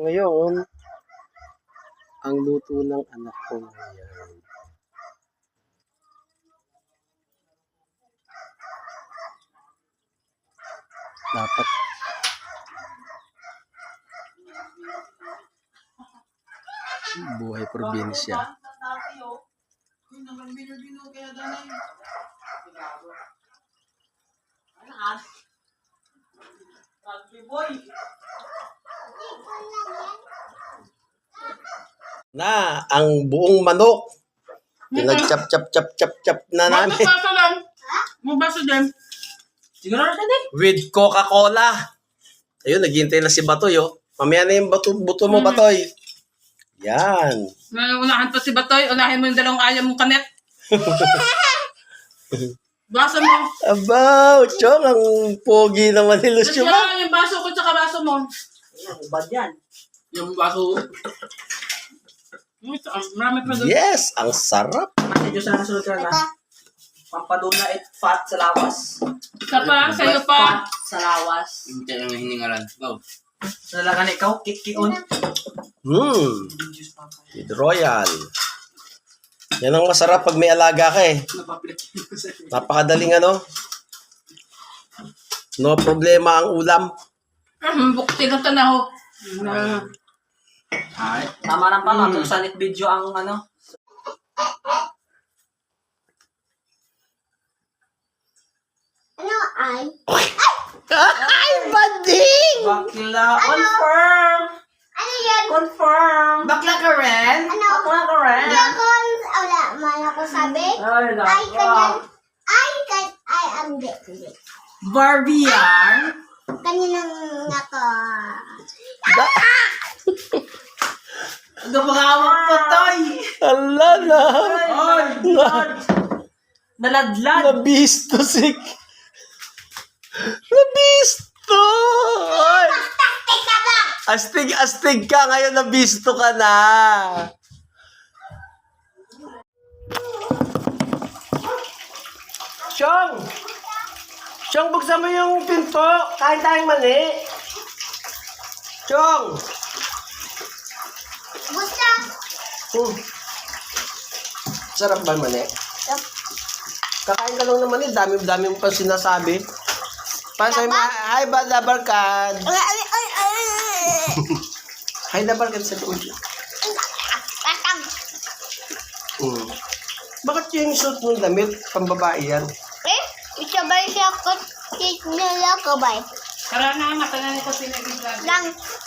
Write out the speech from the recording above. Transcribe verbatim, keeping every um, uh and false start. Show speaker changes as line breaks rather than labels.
Ngayon, ang luto ng anak ko ngayon. Dapat buhay probinsya. Na ang buong manok. Pinag-chop chop chop chop chop na namin.
Baso lang. Mo baso din. Siguro na din.
With Coca-Cola. Ayun, naghihintay na si Batoy, oh. Mamaya na yung bato, buto mo,
Mm.
Batoy. Yan.
Unahan pa si Batoy. Unahin mo yung dalawang ayaw mong kanet. Baso mo.
Abaw, Chong, ang pogi naman ni
Kasi
Lucio.
lang yung baso ko tsaka baso mo.
Bad yan.
Yung baso. Ito, marami pa doon.
Yes, ang sarap.
Kasi Diyos na nasunod ka na. Pampaduna at fat sa lawas.
Isa pa, sa'yo pa.
Fat sa lawas.
Hindi lang hiningalan. Go.
Nalagan ikaw, kik-kion.
Hmm, with Royal. Yan ang masarap pag may alaga ka eh. Napakadaling ano. No problema ang ulam.
Hmm, bukti lang tanaw. Na.
Ay. Tama lang pala, kung sanit video ang ano.
Ano ay?
Ay, bading!
Bakla, confirm!
Ano yan?
Confirm!
Bakla ka rin?
Ano?
Bakla ka rin!
Hindi ako, wala man ako sabi.
Ay,
Ay,
nako.
kanyan. Ay, kan, ay, ang di. Hindi.
Barbie yan!
Kaninang nako.
Gumagawang patay!
Ala na.
Ay, God! Naladlad!
Nabisto si... Nabisto! Ay.
Taktik ka ba?
Astig, astig ka. Ngayon nabisto ka na. Siyong! Siyong, buksan mo yung pinto. Kain tayong mali. Siyong!
Gusto.
Hmm. Sarap ba yung mali? Kakain ka lang naman eh. Dami-dami mo pa sinasabi. Para sa'yo, ma- hi, Bada Barkad.
Ay, ay, ay, ay.
Hi, Bada Barkad sa loob.
Tatang.
Hmm. Bakit yung suit mong damit, pambabae yan?
Eh, isabay siya ko. Nila ko ba?
Tara na, matagal nito pinag-ibrado.
Lang.